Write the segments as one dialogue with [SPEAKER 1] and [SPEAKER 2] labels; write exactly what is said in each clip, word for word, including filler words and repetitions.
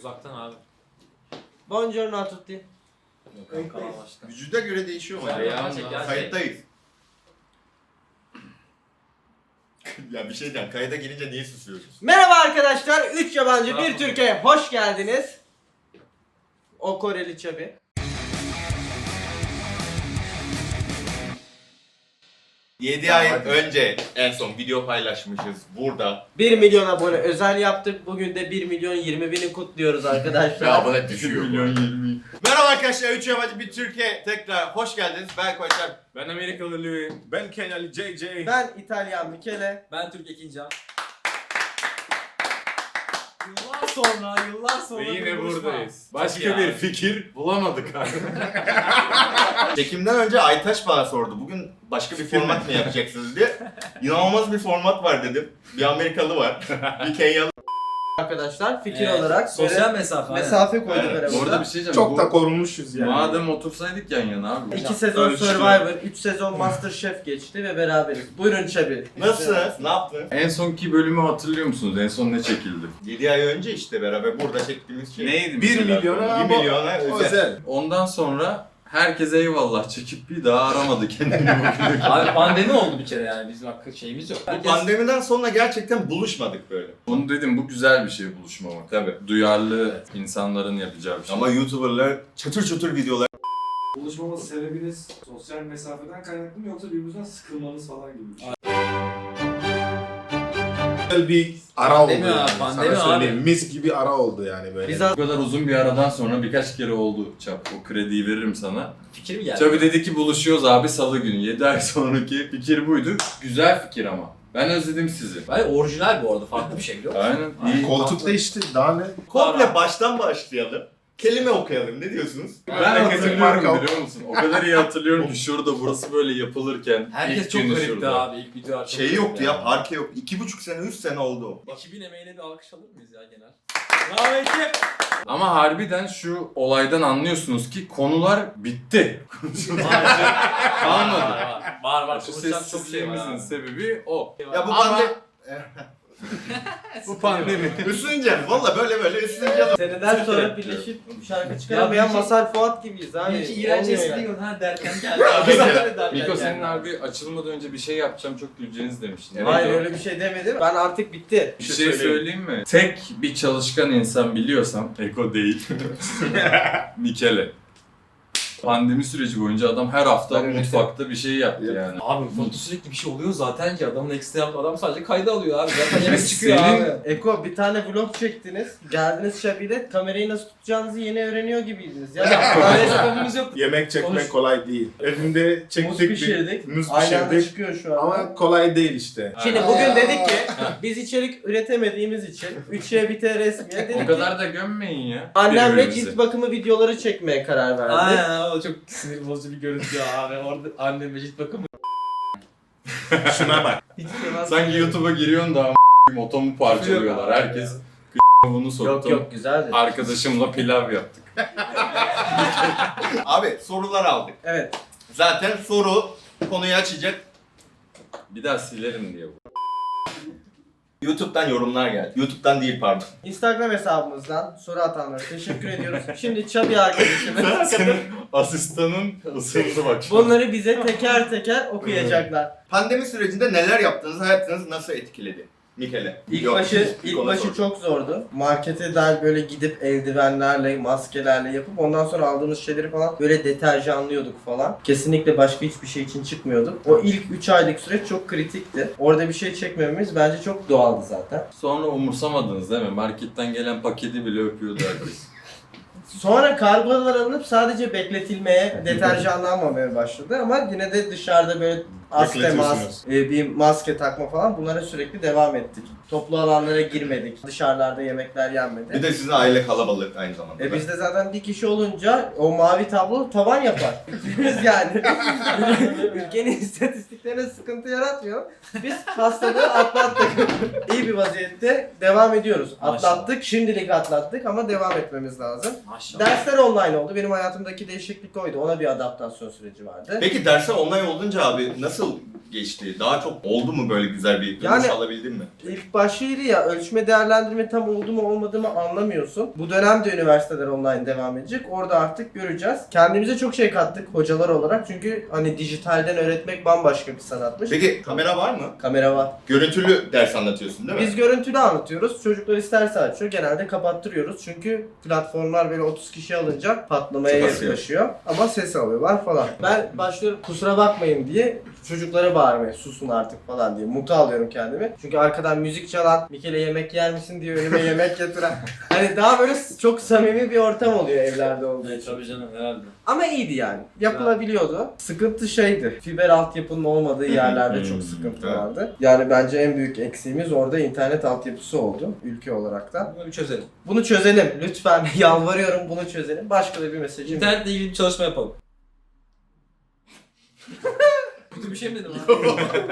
[SPEAKER 1] Uzaktan abi.
[SPEAKER 2] Buongiorno a tutti.
[SPEAKER 3] Vücuda göre değişiyor mu?
[SPEAKER 1] Ya,
[SPEAKER 3] Ya,
[SPEAKER 1] gerçek, gerçek.
[SPEAKER 3] Kayıttayız. Ya bir şey diyeceğim, kayda gelince niye susuyorsunuz?
[SPEAKER 2] Merhaba arkadaşlar. üç yabancı
[SPEAKER 1] Merhaba.
[SPEAKER 2] bir Türkiye hoş geldiniz. O Koreli Çabi.
[SPEAKER 3] yedi ay önce en son video paylaşmışız burada.
[SPEAKER 2] bir milyon abone özel yaptık. Bugün de bir milyon yirmi bini kutluyoruz arkadaşlar.
[SPEAKER 3] abone düşüyor. milyon yirmi. Merhaba arkadaşlar, üç yabancı bir Türkiye tekrar hoş geldiniz. Ben Koçer.
[SPEAKER 1] Ben Amerikalı Louis.
[SPEAKER 4] Ben Kenali J J.
[SPEAKER 2] Ben İtalyan Michele.
[SPEAKER 1] Ben Türk Ekincan. Yıllar sonra, yıllar sonra
[SPEAKER 4] Ve yine
[SPEAKER 1] bir buluşma.
[SPEAKER 4] buradayız. Başka
[SPEAKER 1] Ya.
[SPEAKER 4] bir fikir bulamadık abi.
[SPEAKER 3] Çekimden önce Aytaç bana sordu. Bugün başka bir format mı yapacaksınız diye. İnanılmaz bir format var dedim. Bir Amerikalı var. Bir Kenyalı.
[SPEAKER 2] Arkadaşlar fikir
[SPEAKER 1] Evet,
[SPEAKER 2] olarak
[SPEAKER 1] sosyal
[SPEAKER 2] böyle
[SPEAKER 1] mesafe. aynen.
[SPEAKER 2] mesafe koyduk
[SPEAKER 3] Evet.
[SPEAKER 2] aramızda.
[SPEAKER 5] Bu arada bir şey diyeceğim.
[SPEAKER 4] Çok
[SPEAKER 5] bu,
[SPEAKER 4] da korunmuşuz yani.
[SPEAKER 5] Madem otursaydık yan yana abi.
[SPEAKER 2] İki sezon
[SPEAKER 4] Ölçtü.
[SPEAKER 2] Survivor, üç sezon Masterchef geçti ve beraberiz. Buyurun Çabi.
[SPEAKER 3] Nasılsınız? Ne yaptınız?
[SPEAKER 5] En sonki bölümü hatırlıyor musunuz? En son ne çekildi?
[SPEAKER 3] yedi ay önce işte beraber burada çektiğimiz şey.
[SPEAKER 5] Neydi?
[SPEAKER 4] bir
[SPEAKER 5] mesela?
[SPEAKER 4] milyona
[SPEAKER 3] bir milyona özel.
[SPEAKER 4] özel.
[SPEAKER 5] Ondan sonra herkese eyvallah çekip bir daha aramadı kendini bugüne.
[SPEAKER 1] Abi pandemi oldu bir kere yani bizim hakkı şeyimiz yok.
[SPEAKER 3] Bu pandemiden sonra gerçekten buluşmadık böyle.
[SPEAKER 5] Bunu dedim, bu güzel bir şey buluşmamak.
[SPEAKER 3] Tabii.
[SPEAKER 5] Duyarlı insanların yapacağı bir şey.
[SPEAKER 3] Ama YouTuber'lar çatır çatır videolar.
[SPEAKER 6] Buluşmamız sebebiniz sosyal mesafeden kaynaklı mı yoksa birbirinizden sıkılmanız falan gibi bir şey?
[SPEAKER 4] Güzel bir ara oldu
[SPEAKER 1] Pandemi
[SPEAKER 4] yani.
[SPEAKER 1] abi, pandemi
[SPEAKER 4] Sana söyleyeyim.
[SPEAKER 1] abi.
[SPEAKER 4] Mis gibi ara oldu yani böyle.
[SPEAKER 2] Biz
[SPEAKER 5] Bu kadar uzun bir aradan sonra birkaç kere oldu Çap. O krediyi veririm sana.
[SPEAKER 1] Fikir mi geldi?
[SPEAKER 5] Çabi dedi ki buluşuyoruz abi salı günü. yedi ay sonraki fikir buydu. Güzel fikir ama. Ben özledim sizi.
[SPEAKER 1] Hayır orijinal bu arada farklı bir şey biliyor musun?
[SPEAKER 5] Aynen. iyi.
[SPEAKER 4] Koltuk değişti. Daha ne?
[SPEAKER 3] Komple baştan başlayalım. Kelime okuyalım. Ne diyorsunuz?
[SPEAKER 5] Ben
[SPEAKER 4] Memleketin
[SPEAKER 5] hatırlıyorum
[SPEAKER 4] marka-
[SPEAKER 5] biliyor musun? O kadar iyi hatırlıyorum ki şurada burası böyle yapılırken.
[SPEAKER 1] Herkes
[SPEAKER 5] ilk
[SPEAKER 1] çok
[SPEAKER 5] günü
[SPEAKER 1] garipti
[SPEAKER 5] şurada.
[SPEAKER 1] abi ilk video.
[SPEAKER 3] Şey yoktu ya, parke yok. İki buçuk sene, üç sene oldu o.
[SPEAKER 1] iki bin emeğine bir alkış alır mıyız ya genel? Bravo ekip.
[SPEAKER 5] Ama harbiden şu olaydan anlıyorsunuz ki konular bitti.
[SPEAKER 1] Kalmadı. Var var. var.
[SPEAKER 5] Şu
[SPEAKER 1] Konuşacak çok şey var
[SPEAKER 5] sessizliğimizin
[SPEAKER 1] abi.
[SPEAKER 5] sebebi o.
[SPEAKER 3] Ya bu
[SPEAKER 5] Ama-
[SPEAKER 3] pandemi...
[SPEAKER 5] Bu pandemi.
[SPEAKER 3] Üstüneceğim. Valla böyle böyle üstüneceğim.
[SPEAKER 2] seneden sonra birleşip şarkı çıkaramayan
[SPEAKER 1] Ya,
[SPEAKER 2] Mazhar Fuat gibiyiz abi.
[SPEAKER 1] Bir iki iğrenç
[SPEAKER 2] Olmuyor
[SPEAKER 1] espri
[SPEAKER 2] yani.
[SPEAKER 1] yok ha derken geldi abi. Derken
[SPEAKER 5] Miko
[SPEAKER 1] geldi.
[SPEAKER 5] senin abi açılmadan önce bir şey yapacağım çok güleceğiniz demiştin.
[SPEAKER 2] Hayır
[SPEAKER 5] Neydi o?
[SPEAKER 2] öyle bir şey demedim. Ben artık bitti.
[SPEAKER 5] Bir şey söyleyeyim mi? Tek bir çalışkan insan biliyorsam, Eko değil, Mikele. Pandemi süreci boyunca adam her hafta
[SPEAKER 2] Ben
[SPEAKER 5] mutfakta bir şey yaptı yani.
[SPEAKER 1] Abi mutfakta sürekli bir şey oluyor zaten ki adamın ekstra yaptığı adam sadece kayda alıyor abi. Zaten yemek çıkıyor
[SPEAKER 5] Senin-
[SPEAKER 1] abi.
[SPEAKER 2] Eko bir tane vlog çektiniz. Geldiniz Şabi'yle kamerayı nasıl tutacağınızı yeni öğreniyor gibiydiniz. Ya
[SPEAKER 1] Böyle sebebimiz yok.
[SPEAKER 4] Yemek çekmek
[SPEAKER 2] Konuş-
[SPEAKER 4] kolay değil. Evimde
[SPEAKER 2] muz
[SPEAKER 4] çektik bir
[SPEAKER 2] pişirdik.
[SPEAKER 4] muz
[SPEAKER 2] Aynı anda
[SPEAKER 4] pişirdik.
[SPEAKER 2] çıkıyor şu an.
[SPEAKER 4] Ama kolay değil işte.
[SPEAKER 2] Şimdi bugün dedik ki biz içerik üretemediğimiz için üçe bite resmiye
[SPEAKER 5] O
[SPEAKER 2] dedik ki
[SPEAKER 5] kadar da gömmeyin ya.
[SPEAKER 2] annemle
[SPEAKER 5] birbirimizi.
[SPEAKER 2] cilt bakımı videoları çekmeye karar verdik.
[SPEAKER 1] Aynen o çok sinir bozucu bir görüntü ya abi. Orada annem ve cilt bakımı.
[SPEAKER 4] Şuna bak.
[SPEAKER 2] Hiç sevmez.
[SPEAKER 5] Sanki YouTube'a giriyorsun da a**ım otomu parçalıyorlar. Herkes bunu soktum.
[SPEAKER 2] Yok yok güzeldi.
[SPEAKER 5] Arkadaşımla pilav yaptık.
[SPEAKER 3] Abi sorular aldık.
[SPEAKER 2] Evet.
[SPEAKER 3] Zaten soru konuyu açacak.
[SPEAKER 5] Bir daha silerim diye bu.
[SPEAKER 3] YouTube'dan yorumlar geldi. YouTube'dan değil pardon.
[SPEAKER 2] Instagram hesabımızdan soru atanlara teşekkür ediyoruz. Şimdi Çabi arkadaşımız
[SPEAKER 5] Senin asistanın ısındı bak. şu an.
[SPEAKER 2] bunları bize teker teker okuyacaklar.
[SPEAKER 3] Pandemi sürecinde neler yaptınız? Hayatınızı nasıl etkiledi? Mikele.
[SPEAKER 2] İlk
[SPEAKER 3] Yok,
[SPEAKER 2] başı ilk
[SPEAKER 3] ona
[SPEAKER 2] başı
[SPEAKER 3] sor.
[SPEAKER 2] çok zordu. Markete dair böyle gidip eldivenlerle, maskelerle yapıp ondan sonra aldığımız şeyleri falan böyle deterjanlıyorduk falan. Kesinlikle başka hiçbir şey için çıkmıyorduk. O ilk üç aylık süreç çok kritikti. Orada bir şey çekmememiz bence çok doğaldı zaten.
[SPEAKER 5] Sonra umursamadınız değil mi? Marketten gelen paketi bile öpüyordu herkes.
[SPEAKER 2] Sonra kargolar alınıp sadece bekletilmeye, deterjanlanmamaya başladı ama yine de dışarıda böyle az temas,
[SPEAKER 4] Bekletiyorsunuz.
[SPEAKER 2] e, bir maske takma falan bunlara sürekli devam ettik. Toplu alanlara girmedik, dışarılarda yemekler yenmedi.
[SPEAKER 3] Bir de sizin aile kalabalık aynı zamanda.
[SPEAKER 2] E bizde zaten bir kişi olunca o mavi tablo tavan yapar. Biz yani ülkenin istatistiklerine sıkıntı yaratmıyor. Biz hastalığı atlattık. İyi bir vaziyette devam ediyoruz. Atlattık, şimdilik atlattık ama devam etmemiz lazım.
[SPEAKER 1] Maşallah.
[SPEAKER 2] Dersler online oldu. Benim hayatımdaki değişiklik oydu. Ona bir adaptasyon süreci vardı.
[SPEAKER 3] Peki dersler online olunca abi nasıl geçti? Daha çok oldu mu böyle güzel bir dönüş
[SPEAKER 2] Yani-
[SPEAKER 3] alabildin mi?
[SPEAKER 2] İlk başıydı ya, ölçme değerlendirme tam oldu mu olmadı mı anlamıyorsun. Bu dönem de üniversiteler online devam edecek. Orada artık göreceğiz. Kendimize çok şey kattık hocalar olarak. Çünkü hani dijitalden öğretmek bambaşka bir sanatmış.
[SPEAKER 3] Peki kamera var mı?
[SPEAKER 2] Kamera var.
[SPEAKER 3] Görüntülü ders anlatıyorsun değil mi?
[SPEAKER 2] Biz görüntülü anlatıyoruz. Çocuklar isterse açıyor. Genelde kapattırıyoruz. Çünkü platformlar böyle otuz kişi alınca patlamaya
[SPEAKER 3] Çok az
[SPEAKER 2] yaklaşıyor. Ama ses alıyorlar falan. Ben başlıyorum kusura bakmayın diye çocuklara bağırmaya, susun artık falan diye. Mutlu alıyorum kendimi. Çünkü arkadan müzik çalan, Mikele yemek yer misin diye önüme yemek getiren. Hani daha böyle çok samimi bir ortam oluyor evlerde olduğu için.
[SPEAKER 1] Tabii canım herhalde.
[SPEAKER 2] Ama iyiydi yani. Yapılabiliyordu. Sıkıntı şeydi. Fiber altyapının olmadığı yerlerde
[SPEAKER 3] hı,
[SPEAKER 2] çok sıkıntı
[SPEAKER 3] evet.
[SPEAKER 2] vardı. Yani bence en büyük eksiğimiz orada internet altyapısı oldu. Ülke olarak da.
[SPEAKER 1] Bunu bir çözelim.
[SPEAKER 2] Bunu çözelim. Lütfen yalvarıyorum bunu çözelim. Başka da bir mesajım yok.
[SPEAKER 1] İnternetle ilgili bir çalışma yapalım. Kötü bir şey mi dedim abi?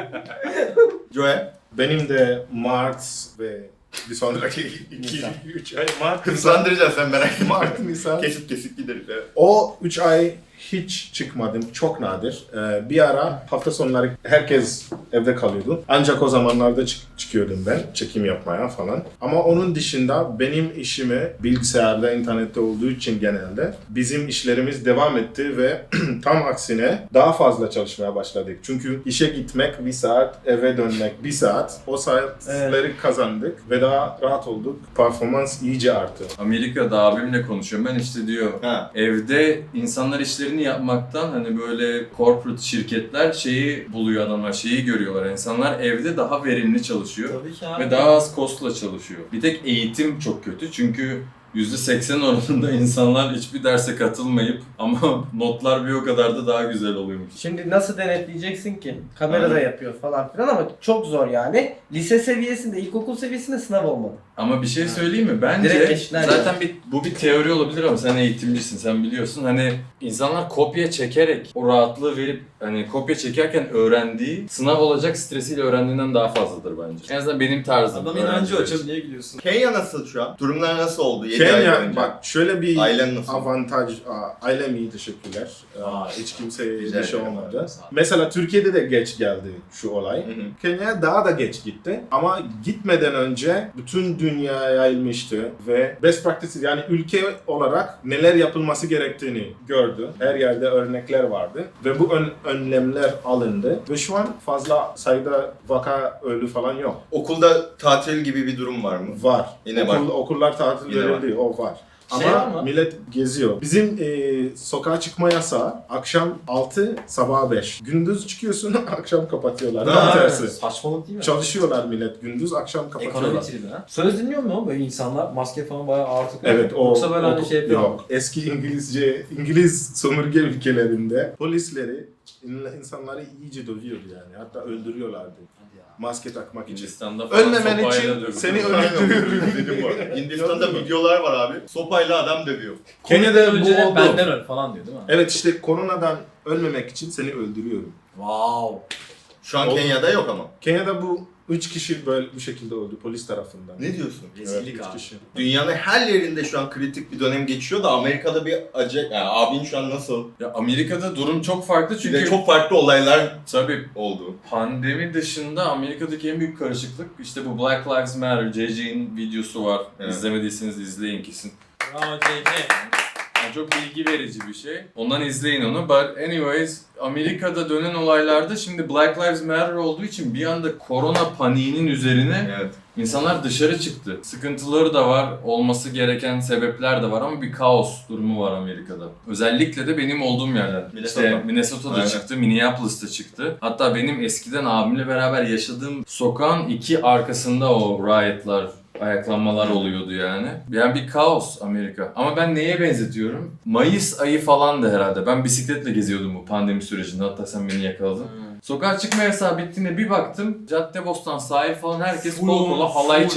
[SPEAKER 3] Joe,
[SPEAKER 4] Benim de Mart ve bir sonraki iki üç ay Mart, Nisan,
[SPEAKER 3] hızlandıracağız sen merak etme.
[SPEAKER 4] Mart, Nisan.
[SPEAKER 3] Kesip kesip gideriz. Evet.
[SPEAKER 4] O üç ay hiç çıkmadım. Çok nadir. Ee, bir ara hafta sonları herkes evde kalıyordu. Ancak o zamanlarda çık- çıkıyordum ben çekim yapmaya falan. Ama onun dışında benim işimi bilgisayarda, internette olduğu için genelde bizim işlerimiz devam etti ve tam aksine daha fazla çalışmaya başladık. Çünkü işe gitmek bir saat, eve dönmek bir saat. O saatleri kazandık ve daha rahat olduk. Performans iyice arttı.
[SPEAKER 5] Amerika'da abimle konuşuyorum. Ben işte diyor
[SPEAKER 3] Ha.
[SPEAKER 5] evde insanlar işlerini yapmaktan hani böyle corporate şirketler şeyi buluyor adamlar, şeyi görüyorlar. İnsanlar evde daha verimli çalışıyor
[SPEAKER 1] Tabii ki abi.
[SPEAKER 5] ve daha az cost'la çalışıyor. Bir tek eğitim çok kötü çünkü yüzde seksen oranında insanlar hiçbir derse katılmayıp ama notlar bir o kadar da daha güzel oluyormuş.
[SPEAKER 2] Şimdi nasıl denetleyeceksin ki? Kamerada
[SPEAKER 3] Aynen.
[SPEAKER 2] yapıyor falan filan ama çok zor yani. Lise seviyesinde, ilkokul seviyesinde sınav olmalı.
[SPEAKER 5] Ama bir şey söyleyeyim mi? Bence
[SPEAKER 2] Direkt geçtiler
[SPEAKER 5] zaten bir, bu bir teori olabilir ama sen eğitimcisin, sen biliyorsun. Hani insanlar kopya çekerek o rahatlığı verip hani kopya çekerken öğrendiği sınav olacak stresiyle öğrendiğinden daha fazladır bence. En azından benim tarzım.
[SPEAKER 1] Adam inancı o.
[SPEAKER 5] öğrenciler için.
[SPEAKER 1] Çabuk niye gülüyorsun?
[SPEAKER 3] Kenya nasıl şu an? Durumlar nasıl oldu? yedi ay
[SPEAKER 4] Kenya,
[SPEAKER 3] önce.
[SPEAKER 4] bak şöyle bir
[SPEAKER 3] Ailen nasıl?
[SPEAKER 4] avantaj, aa, ailem iyi teşekkürler. Aa,
[SPEAKER 1] Aa,
[SPEAKER 4] hiç kimseye
[SPEAKER 3] güzel
[SPEAKER 4] bir şey
[SPEAKER 3] bir
[SPEAKER 4] olmadı.
[SPEAKER 1] avantaj.
[SPEAKER 4] Mesela Türkiye'de de geç geldi şu olay.
[SPEAKER 3] Hı hı.
[SPEAKER 4] Kenya daha da geç gitti ama gitmeden önce bütün dünyaya yayılmıştı ve best practices yani ülke olarak neler yapılması gerektiğini gördü. Her yerde örnekler vardı ve bu ön- önlemler alındı ve şu an fazla sayıda vaka ölü falan yok.
[SPEAKER 3] Okulda tatil gibi bir durum var mı?
[SPEAKER 4] Var.
[SPEAKER 3] Yine
[SPEAKER 4] Okul,
[SPEAKER 3] var.
[SPEAKER 4] Okullar tatil
[SPEAKER 3] Yine
[SPEAKER 4] verildi, o var.
[SPEAKER 1] Şey
[SPEAKER 4] Ama
[SPEAKER 1] var mı?
[SPEAKER 4] millet geziyor. Bizim e, sokağa çıkma yasağı akşam altı, sabah beş. Gündüz çıkıyorsun, akşam kapatıyorlar. Tam
[SPEAKER 3] Ha,
[SPEAKER 4] tersi.
[SPEAKER 1] Saçmalık değil mi?
[SPEAKER 4] Çalışıyorlar millet gündüz, akşam
[SPEAKER 1] Ekonomi
[SPEAKER 4] kapatıyorlar.
[SPEAKER 1] tribi ha. Söz dinliyor mu böyle insanlar? Maske falan bayağı ağır takıyor.
[SPEAKER 4] Evet, o
[SPEAKER 1] Yoksa böyle hani
[SPEAKER 4] o-
[SPEAKER 1] şey yapıyor.
[SPEAKER 4] yok. Eski İngilizce, İngiliz sömürge ülkelerinde polisleri in- insanları iyice dövüyordu yani. Hatta öldürüyorlardı. Maske takmak için.
[SPEAKER 5] Hindistan'da falan
[SPEAKER 4] Ölmemen
[SPEAKER 5] sopayla
[SPEAKER 4] için
[SPEAKER 5] dövüyor.
[SPEAKER 4] seni
[SPEAKER 3] Aynen.
[SPEAKER 4] öldürüyorum.
[SPEAKER 3] Dedim bu arada. Hindistan'da videolar var abi. Sopayla adam dövüyor.
[SPEAKER 4] Kenya'da
[SPEAKER 1] Önce
[SPEAKER 4] bu oldu.
[SPEAKER 1] benden öl falan diyor değil mi?
[SPEAKER 4] Evet işte koronadan ölmemek için seni öldürüyorum.
[SPEAKER 1] Wow.
[SPEAKER 3] Şu an
[SPEAKER 4] Oldu.
[SPEAKER 3] Kenya'da yok ama.
[SPEAKER 4] Kenya'da bu üç kişi böyle bu şekilde öldü polis tarafından.
[SPEAKER 3] Ne diyorsun?
[SPEAKER 1] Rezillik
[SPEAKER 4] üç
[SPEAKER 1] abi.
[SPEAKER 4] kişi.
[SPEAKER 3] Dünyanın her yerinde şu an kritik bir dönem geçiyor da Amerika'da bir acı... Yani abin şu an nasıl?
[SPEAKER 5] Ya Amerika'da durum çok farklı
[SPEAKER 3] Çünkü
[SPEAKER 5] çünkü
[SPEAKER 3] çok farklı olaylar
[SPEAKER 5] tabii
[SPEAKER 3] oldu.
[SPEAKER 5] pandemi dışında Amerika'daki en büyük karışıklık işte bu Black Lives Matter, J J'nin videosu var.
[SPEAKER 3] Evet.
[SPEAKER 5] İzlemediyseniz izleyin kesin.
[SPEAKER 1] Bravo J K.
[SPEAKER 5] Yani çok bilgi verici bir şey. Ondan izleyin onu. But anyways, Amerika'da dönen olaylarda şimdi Black Lives Matter olduğu için bir anda korona paniğinin üzerine
[SPEAKER 3] Evet.
[SPEAKER 5] insanlar dışarı çıktı. Sıkıntıları da var, olması gereken sebepler de var ama bir kaos durumu var Amerika'da. Özellikle de benim olduğum yerler.
[SPEAKER 3] Minnesota.
[SPEAKER 5] İşte Minnesota'da
[SPEAKER 3] Aynen.
[SPEAKER 5] çıktı, Minneapolis'ta çıktı. Hatta benim eskiden abimle beraber yaşadığım sokağın iki arkasında o riotlar, ayaklanmalar oluyordu yani. Yani bir kaos Amerika. Ama ben neye benzetiyorum? Mayıs ayı falan da herhalde. Ben bisikletle geziyordum bu pandemi sürecinde. Hatta sen beni yakaladın. Sokağa çıkma yasağı bittiğinde bir baktım. Caddebostan, sahil falan herkes
[SPEAKER 1] Full
[SPEAKER 5] kol kola
[SPEAKER 1] on,
[SPEAKER 5] halay
[SPEAKER 1] full.
[SPEAKER 5] çekiyor.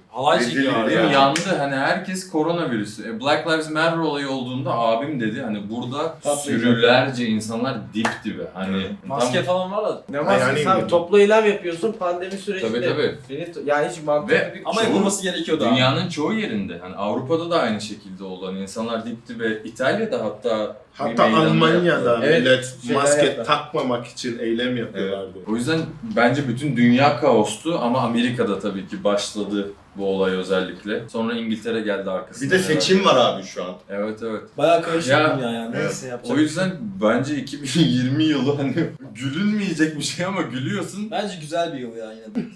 [SPEAKER 1] Halay
[SPEAKER 3] Rezil
[SPEAKER 1] çekiyor abi.
[SPEAKER 3] ya.
[SPEAKER 5] Benim yandı hani herkes koronavirüsü. E, Black Lives Matter olayı olduğunda abim dedi hani burada
[SPEAKER 2] Patlayacak.
[SPEAKER 5] sürülerce insanlar dip dibe. Hani
[SPEAKER 1] Maske
[SPEAKER 5] tam-
[SPEAKER 1] falan var da.
[SPEAKER 2] Ne var
[SPEAKER 4] Yani-
[SPEAKER 2] sen toplu eylem yapıyorsun pandemi sürecinde.
[SPEAKER 5] Tabii tabii.
[SPEAKER 2] Beni, yani hiç mantıklı
[SPEAKER 5] Ve
[SPEAKER 2] bir
[SPEAKER 1] Ama
[SPEAKER 5] Çoğu-
[SPEAKER 1] yapılması gerekiyordu abi.
[SPEAKER 5] Dünyanın çoğu yerinde. Hani Avrupa'da da aynı şekilde oldu. Hani insanlar dip dibe. İtalya'da hatta bir
[SPEAKER 4] Hatta
[SPEAKER 5] meydanda
[SPEAKER 4] Almanya'da
[SPEAKER 5] yaptılar.
[SPEAKER 2] Evet,
[SPEAKER 4] millet
[SPEAKER 2] şeyler
[SPEAKER 4] maske
[SPEAKER 2] yaptılar.
[SPEAKER 4] takmamak için eylem yapıyorlardı.
[SPEAKER 5] O yüzden bence bütün dünya kaostu ama Amerika'da tabii ki başladı bu olay özellikle. Sonra İngiltere geldi arkasından.
[SPEAKER 3] Bir de seçim var abi şu an.
[SPEAKER 5] Evet evet.
[SPEAKER 1] Bayağı karışık
[SPEAKER 5] Ya,
[SPEAKER 1] dünya yani. Neyse yapacak.
[SPEAKER 5] O yüzden bence iki bin yirmi yılı hani gülünmeyecek bir şey ama gülüyorsun.
[SPEAKER 1] Bence güzel bir yıl ya yine de.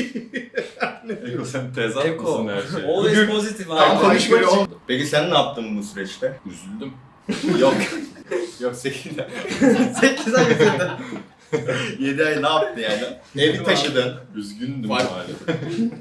[SPEAKER 5] Eko sen tezat
[SPEAKER 1] Eko.
[SPEAKER 5] mısın her şeye?
[SPEAKER 1] Always pozitif
[SPEAKER 3] Tam
[SPEAKER 1] abi.
[SPEAKER 3] konuşmaya oldu. Peki sen ne yaptın bu süreçte?
[SPEAKER 5] Üzüldüm.
[SPEAKER 3] Yok. Yok sekiz ay.
[SPEAKER 2] sekiz ay üzerinden.
[SPEAKER 3] yedi ay ne yaptın yani? Evi taşıdın.
[SPEAKER 5] Üzgündüm
[SPEAKER 3] Var.
[SPEAKER 5] maalesef.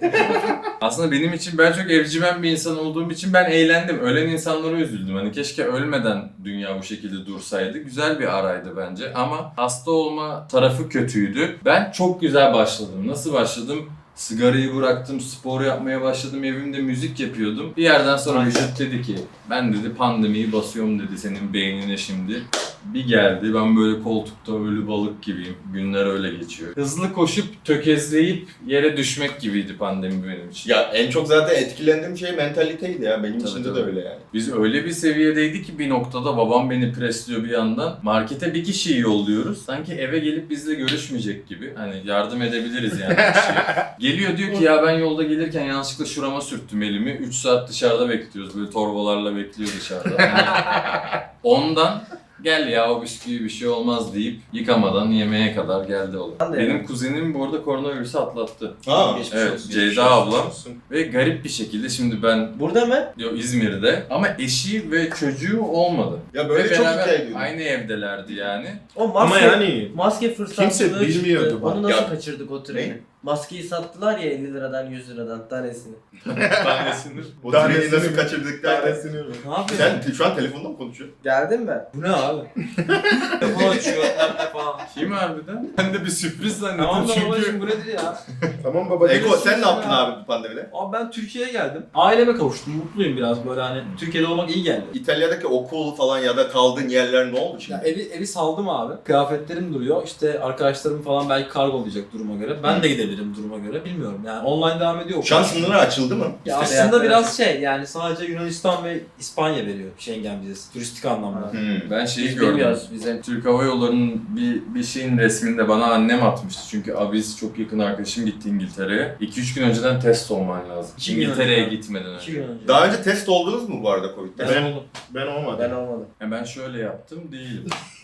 [SPEAKER 5] Aslında benim için ben çok evcimen bir insan olduğum için ben eğlendim. Ölen insanlara üzüldüm. Hani keşke ölmeden dünya bu şekilde dursaydı. Güzel bir araydı bence ama hasta olma tarafı kötüydü. Ben çok güzel başladım. Nasıl başladım? Sigarayı bıraktım, spor yapmaya başladım, evimde müzik yapıyordum. Bir yerden sonra vücut dedi ki, ben dedi pandemiyi basıyorum dedi senin beynine şimdi. Bir geldi, ben böyle koltukta ölü balık gibiyim. Günler öyle geçiyor. Hızlı koşup tökezleyip yere düşmek gibiydi pandemi benim için.
[SPEAKER 3] Ya en çok zaten etkilendiğim şey mentaliteydi ya. Benim
[SPEAKER 5] Tabii,
[SPEAKER 3] içinde
[SPEAKER 5] tabii.
[SPEAKER 3] de öyle yani.
[SPEAKER 5] Biz öyle bir seviyedeydi ki bir noktada babam beni presliyor bir yandan. Markete bir kişiyi yolluyoruz. Sanki eve gelip bizle görüşmeyecek gibi. Hani yardım edebiliriz yani kişiye. Geliyor diyor ki ya ben yolda gelirken yanlışlıkla şurama sürttüm elimi. üç saat dışarıda bekliyoruz. Böyle torbalarla bekliyor dışarıda. Yani ondan gel ya o bisküvi bir şey olmaz deyip yıkamadan yemeğe kadar geldi olay.
[SPEAKER 2] Ben de
[SPEAKER 5] Benim
[SPEAKER 2] yani.
[SPEAKER 5] kuzenim bu arada koronavirüsü atlattı.
[SPEAKER 3] Ha.
[SPEAKER 2] Geçmiş
[SPEAKER 5] Evet,
[SPEAKER 2] olsun.
[SPEAKER 5] Ceyda ablam. Ve garip bir şekilde şimdi ben
[SPEAKER 2] Burada mı?
[SPEAKER 5] Yo, İzmir'de ama eşi ve çocuğu olmadı.
[SPEAKER 3] Ya böyle
[SPEAKER 5] ve
[SPEAKER 3] çok
[SPEAKER 5] beraber
[SPEAKER 3] hikaye duydum.
[SPEAKER 5] aynı evdelerdi yani.
[SPEAKER 2] O maske,
[SPEAKER 4] Ama yani
[SPEAKER 2] maske fırsatçılığı
[SPEAKER 4] kimse bilmiyordu
[SPEAKER 2] çıktı.
[SPEAKER 4] bak.
[SPEAKER 2] Onu nasıl
[SPEAKER 3] Ya-
[SPEAKER 2] kaçırdık o treni?
[SPEAKER 3] Ne?
[SPEAKER 2] Maskeyi sattılar ya elli liradan yüz liradan tanesini.
[SPEAKER 5] Tanesini.
[SPEAKER 3] O
[SPEAKER 4] Tanesini
[SPEAKER 3] treni nasıl
[SPEAKER 4] mi?
[SPEAKER 3] kaçırdık derken.
[SPEAKER 4] Tanesini mi?
[SPEAKER 1] Ne yapıyorsun?
[SPEAKER 3] Sen şu an telefonda mı konuşuyorsun?
[SPEAKER 2] Geldim ben.
[SPEAKER 1] Bu ne abi? Telefon açıyor, laptop falan.
[SPEAKER 5] Kim harbiden? Ben de bir sürpriz zannettim
[SPEAKER 1] Tamam da
[SPEAKER 5] çünkü.
[SPEAKER 1] babacım bu nedir ya?
[SPEAKER 4] Tamam baba.
[SPEAKER 3] Eko sen ne yaptın
[SPEAKER 1] ya.
[SPEAKER 3] abi bu pandemide?
[SPEAKER 1] Abi ben Türkiye'ye geldim. Aileme kavuştum. Mutluyum biraz böyle hani. Türkiye'de olmak iyi geldi.
[SPEAKER 3] İtalya'daki okul falan ya da kaldığın yerler ne oldu
[SPEAKER 1] Ya
[SPEAKER 3] şimdi?
[SPEAKER 1] evi, evi saldım abi. Kıyafetlerim duruyor. İşte arkadaşlarım falan belki kargolayacak duruma göre. Ben de gidebilirim duruma göre. Bilmiyorum yani. Online devam ediyor.
[SPEAKER 3] Şu an sınırlar açıldı mı?
[SPEAKER 1] Ya
[SPEAKER 2] İşte
[SPEAKER 1] aslında
[SPEAKER 2] seyahatler
[SPEAKER 1] biraz şey yani sadece Yunanistan ve İspanya veriyor Schengen vizesi. Turistik anlamda.
[SPEAKER 3] Hmm.
[SPEAKER 5] Ben şeyi
[SPEAKER 2] Biz
[SPEAKER 5] gördüm.
[SPEAKER 2] bilmiyoruz bize.
[SPEAKER 5] Türk Hava Yolları'nın bir, bir şeyin resminde bana annem atmıştı. Çünkü abiz çok yakın arkadaşım gitti İngiltere'ye. iki üç gün önceden test olman lazım.
[SPEAKER 1] İki gün
[SPEAKER 5] İngiltere'ye
[SPEAKER 1] önce.
[SPEAKER 5] gitmeden
[SPEAKER 1] İki
[SPEAKER 5] önce.
[SPEAKER 1] gün önce.
[SPEAKER 3] Daha önce test oldunuz mu bu arada Covid'de?
[SPEAKER 1] Ben,
[SPEAKER 4] Ben-
[SPEAKER 1] oldum.
[SPEAKER 4] Ben olmadım.
[SPEAKER 2] Ben olmadım.
[SPEAKER 5] Ya ben şöyle yaptım değilim.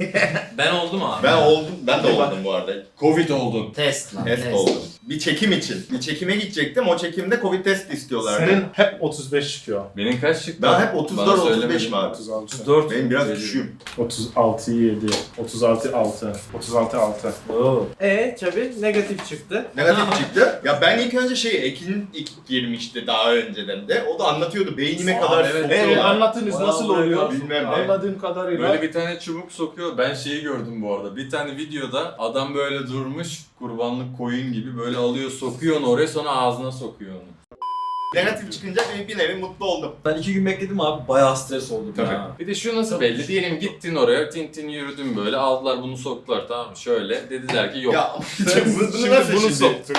[SPEAKER 1] Ben oldum abi.
[SPEAKER 3] Ben oldum, ben de oldum bu arada.
[SPEAKER 5] Covid oldun.
[SPEAKER 1] Test lan.
[SPEAKER 3] Test oldum. Bir çekim için. Bir çekime gidecektim. O çekimde Covid test istiyorlardı.
[SPEAKER 4] Senin hep otuz beş çıkıyor.
[SPEAKER 5] Benim kaç çıktı?
[SPEAKER 3] Ben hep otuz dört
[SPEAKER 5] Bana
[SPEAKER 3] otuz beş
[SPEAKER 5] söylemedin.
[SPEAKER 3] mi abi?
[SPEAKER 4] otuz altı.
[SPEAKER 1] dört.
[SPEAKER 3] Benim biraz
[SPEAKER 5] Öyle.
[SPEAKER 3] küçüğüm.
[SPEAKER 4] otuz altı yedi. otuz altı altı. otuz altı altı.
[SPEAKER 1] Oo.
[SPEAKER 2] E tabi negatif çıktı.
[SPEAKER 3] Negatif çıktı. Ya ben ilk önce şey Ekin ilk girmişti daha önceden de. O da anlatıyordu beynime
[SPEAKER 1] Aa,
[SPEAKER 3] kadar
[SPEAKER 1] evet.
[SPEAKER 3] sokuyorlar.
[SPEAKER 4] Ee, anlatınız
[SPEAKER 1] Bayağı
[SPEAKER 4] nasıl
[SPEAKER 1] böyle
[SPEAKER 4] oluyor?
[SPEAKER 3] bilmem ne.
[SPEAKER 4] Anladığım kadarıyla.
[SPEAKER 5] Böyle bir tane çubuk sokuyor. Ben şeyi gördüm bu arada. Bir tane videoda adam böyle durmuş kurbanlık koyun gibi böyle alıyor sokuyor onu oraya sonra ağzına sokuyor onu.
[SPEAKER 3] Negatif çıkınca bir, bir nevi mutlu oldum.
[SPEAKER 1] Ben iki gün bekledim abi. Bayağı stres oldum
[SPEAKER 3] Tabii.
[SPEAKER 1] ya.
[SPEAKER 5] Bir de şu nasıl belli? Diyelim gittin oraya tintin yürüdün böyle aldılar bunu soktular tamam mı? Şöyle dediler ki yok.
[SPEAKER 3] Ya
[SPEAKER 4] Sen
[SPEAKER 3] bunu
[SPEAKER 4] şimdi
[SPEAKER 3] nasıl
[SPEAKER 4] bunu
[SPEAKER 3] şimdi?
[SPEAKER 4] soktun.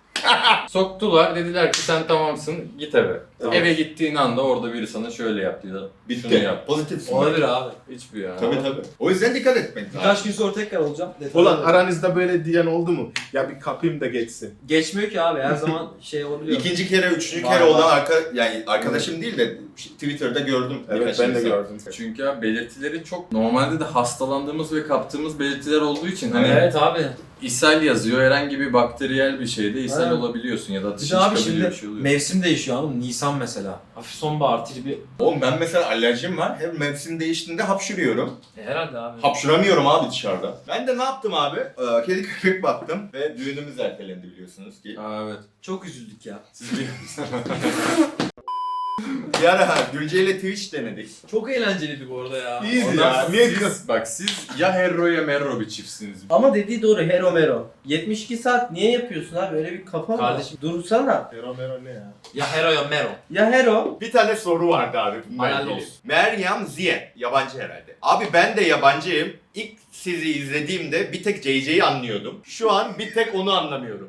[SPEAKER 5] Soktular dediler ki sen tamamsın git eve.
[SPEAKER 3] Tamam.
[SPEAKER 5] Eve gittiğin anda orada biri sana şöyle yaptı ya da şunu
[SPEAKER 3] Bitti.
[SPEAKER 5] yap.
[SPEAKER 3] Pozitif.
[SPEAKER 1] Olabilir abi.
[SPEAKER 5] Hiçbir ya.
[SPEAKER 3] Tabii tabii. O yüzden dikkat etmek lazım.
[SPEAKER 1] Birkaç gün sonra tekrar olacağım. Detaylı
[SPEAKER 4] Ulan
[SPEAKER 1] olarak.
[SPEAKER 4] aranızda böyle diyen oldu mu? Ya bir kapayım da geçsin.
[SPEAKER 1] Geçmiyor ki abi. Her zaman şey olabiliyor.
[SPEAKER 3] İkinci kere, üçüncü
[SPEAKER 1] Var,
[SPEAKER 3] kere
[SPEAKER 1] var.
[SPEAKER 3] olan arka, yani arkadaşım değil de Twitter'da gördüm.
[SPEAKER 4] Evet
[SPEAKER 3] birkaç
[SPEAKER 4] ben de
[SPEAKER 3] insan.
[SPEAKER 4] gördüm.
[SPEAKER 5] Çünkü abi belirtileri çok normalde de hastalandığımız ve kaptığımız belirtiler olduğu için hani
[SPEAKER 1] Evet abi.
[SPEAKER 5] ishal yazıyor herhangi bir bakteriyel bir şeyde ishal
[SPEAKER 1] Evet.
[SPEAKER 5] olabiliyorsun ya da
[SPEAKER 1] Bir
[SPEAKER 5] ateşi
[SPEAKER 1] de abi
[SPEAKER 5] çıkabiliyor
[SPEAKER 1] şimdi
[SPEAKER 5] bir şey oluyor.
[SPEAKER 1] mevsim değişiyor anladın mı? Nisan mesela. Hafif sonbahar tribi.
[SPEAKER 3] Oğlum ben mesela alerjim var. Hem mevsim değiştiğinde hapşırıyorum.
[SPEAKER 1] E, herhalde abi.
[SPEAKER 3] Hapşuramıyorum abi dışarıda. Ben de ne yaptım abi? Ee, kedi köpek baktım ve düğünümüz ertelendi biliyorsunuz ki.
[SPEAKER 5] Aa, evet.
[SPEAKER 1] Çok üzüldük ya.
[SPEAKER 5] Siz biliyor musunuz?
[SPEAKER 3] Bir ara Gülce ile Twitch denedik.
[SPEAKER 1] Çok eğlenceliydi bu arada ya.
[SPEAKER 4] İyiydi
[SPEAKER 5] Ondan
[SPEAKER 4] ya.
[SPEAKER 5] sonra
[SPEAKER 4] Niye
[SPEAKER 5] siz-
[SPEAKER 4] kız?
[SPEAKER 5] Bak siz ya Herro ya Merro bir çiftsiniz.
[SPEAKER 2] Ama dediği doğru Hero Mero. yetmiş iki saat niye yapıyorsun abi? Öyle bir kafa mı?
[SPEAKER 1] Kardeşim.
[SPEAKER 2] Dursana.
[SPEAKER 4] Mero mero ne ya?
[SPEAKER 1] Ya Hero ya Mero.
[SPEAKER 2] Ya Hero.
[SPEAKER 3] Bir tane soru vardı abi. bununla
[SPEAKER 1] Helal
[SPEAKER 3] ilgili.
[SPEAKER 1] olsun.
[SPEAKER 3] Meryem Ziye. Yabancı herhalde. Abi ben de yabancıyım. İlk sizi izlediğimde bir tek J J'yi anlıyordum. Şu an bir tek onu anlamıyorum.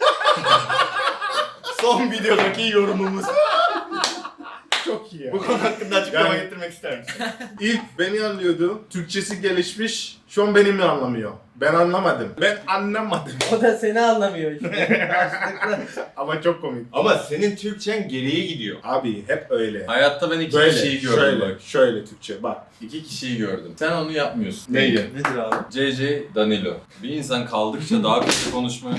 [SPEAKER 3] Son videodaki yorumumuz.
[SPEAKER 4] Çok iyi ya.
[SPEAKER 3] Bu konu hakkında açıklama
[SPEAKER 4] Yani-
[SPEAKER 3] getirmek ister misin?
[SPEAKER 4] İlk beni anlıyordu. Türkçesi gelişmiş. Şu an beni mi anlamıyor? Ben anlamadım. Ben anlamadım.
[SPEAKER 2] O da seni anlamıyor işte. Karşılıklı.
[SPEAKER 4] Ama çok komik.
[SPEAKER 3] Ama senin Türkçen geriye gidiyor.
[SPEAKER 4] Abi hep öyle.
[SPEAKER 5] Hayatta ben iki
[SPEAKER 4] Böyle,
[SPEAKER 5] kişiyi gördüm
[SPEAKER 4] şöyle,
[SPEAKER 5] bak.
[SPEAKER 4] şöyle Türkçe bak.
[SPEAKER 5] İki kişiyi gördüm. Sen onu yapmıyorsun.
[SPEAKER 4] Neyi?
[SPEAKER 1] Nedir abi?
[SPEAKER 5] C C Danilo. Bir insan kaldıkça daha kötü konuşmaya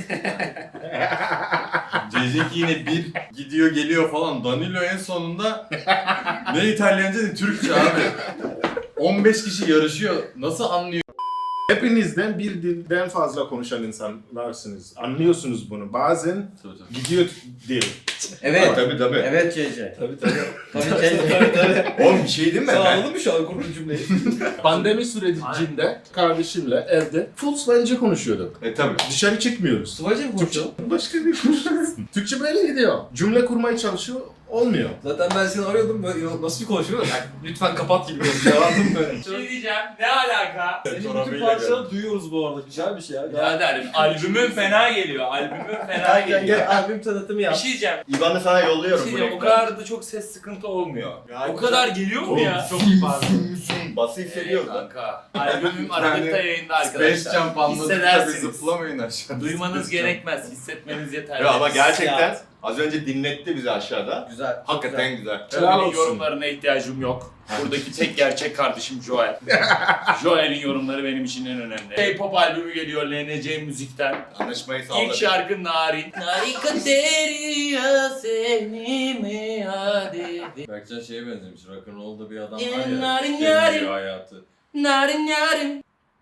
[SPEAKER 5] C C ki yine bir gidiyor geliyor falan. Danilo en sonunda ne İtalyanca ne Türkçe abi. on beş kişi yarışıyor. Nasıl anlıyor?
[SPEAKER 4] Hepinizden bir dilden fazla konuşan insanlarsınız. Anlıyorsunuz bunu. Bazen gidiyor dil.
[SPEAKER 2] Evet.
[SPEAKER 3] Tabii tabii.
[SPEAKER 2] Evet C C.
[SPEAKER 1] Tabii tabii.
[SPEAKER 2] Tabii C C.
[SPEAKER 1] tabii tabii.
[SPEAKER 3] Oğlum bir şey değil mi?
[SPEAKER 1] Sen
[SPEAKER 3] Ben-
[SPEAKER 1] anladın mı şu an kurduğun cümleyi?
[SPEAKER 4] Pandemi sürecinde kardeşimle evde full Slovence konuşuyorduk.
[SPEAKER 3] E tabii.
[SPEAKER 4] Dışarı çıkmıyoruz.
[SPEAKER 1] Sıvacı mı
[SPEAKER 4] Türkçe
[SPEAKER 1] konuşuyorsun?
[SPEAKER 4] başka bir konuşuyorsun. Türkçe böyle gidiyor. Cümle kurmaya çalışıyor. Olmuyor.
[SPEAKER 1] Zaten ben seni arıyordum böyle nasıl bir konuşuyorsun? Yani lütfen kapat gibi konuşuyor. Anladın mı?
[SPEAKER 7] Bir şey diyeceğim. Ne alaka?
[SPEAKER 1] Senin bütün
[SPEAKER 5] Çorabıyla
[SPEAKER 1] parçaları duyuyoruz bu arada. Güzel bir şey ya.
[SPEAKER 7] Birader albümün fena geliyor. Albümün fena
[SPEAKER 2] Gel gel
[SPEAKER 7] geliyor.
[SPEAKER 2] gel albüm tanıtımı
[SPEAKER 7] Bir
[SPEAKER 2] yap.
[SPEAKER 7] şey diyeceğim.
[SPEAKER 3] İvan'ı sana
[SPEAKER 7] Bir
[SPEAKER 3] yolluyorum
[SPEAKER 7] şey
[SPEAKER 3] bu
[SPEAKER 7] diyeceğim. O
[SPEAKER 3] reklamı.
[SPEAKER 7] kadar da çok ses sıkıntı olmuyor.
[SPEAKER 3] Ya
[SPEAKER 7] O kadar geliyor mu ya?
[SPEAKER 3] Çok pardon. Bası hissediyoruz lan.
[SPEAKER 7] Kanka. Albümüm Aralık'ta yayında
[SPEAKER 5] Space
[SPEAKER 7] arkadaşlar.
[SPEAKER 5] Jump anladıkça bir
[SPEAKER 7] Hissedersiniz.
[SPEAKER 5] zıplamayın aşağı.
[SPEAKER 7] Duymanız gerekmez. Hissetmeniz yeterli.
[SPEAKER 3] Ya ama gerçekten
[SPEAKER 1] Ya.
[SPEAKER 3] az önce dinletti bizi aşağıda.
[SPEAKER 2] Güzel. çok
[SPEAKER 3] Hakikaten güzel.
[SPEAKER 4] Helal
[SPEAKER 7] Senin
[SPEAKER 4] olsun.
[SPEAKER 7] yorumlarına ihtiyacım yok. Buradaki tek gerçek kardeşim Joel. Joel'in yorumları benim için en önemli. K-pop albümü geliyor L N C Müzik'ten.
[SPEAKER 3] Anlaşmayı
[SPEAKER 7] İlk
[SPEAKER 3] sağladık.
[SPEAKER 7] şarkı Narin. Narin deriya seni mi hadi.
[SPEAKER 5] Berkcan şeye benzemiş. Rock'n'roll'da bir adam
[SPEAKER 7] Ya,
[SPEAKER 5] var ya.
[SPEAKER 7] narin
[SPEAKER 5] sevmiyor
[SPEAKER 7] yarim.
[SPEAKER 5] hayatı.
[SPEAKER 7] Narin yarim.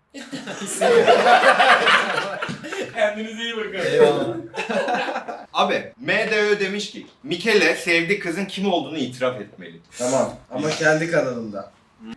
[SPEAKER 7] Kendinize iyi bakın.
[SPEAKER 1] Eyvallah.
[SPEAKER 3] Abi M D Ö demiş ki Mikele sevdiği kızın kim olduğunu itiraf etmeli.
[SPEAKER 2] Tamam. Ama kendi kanalında.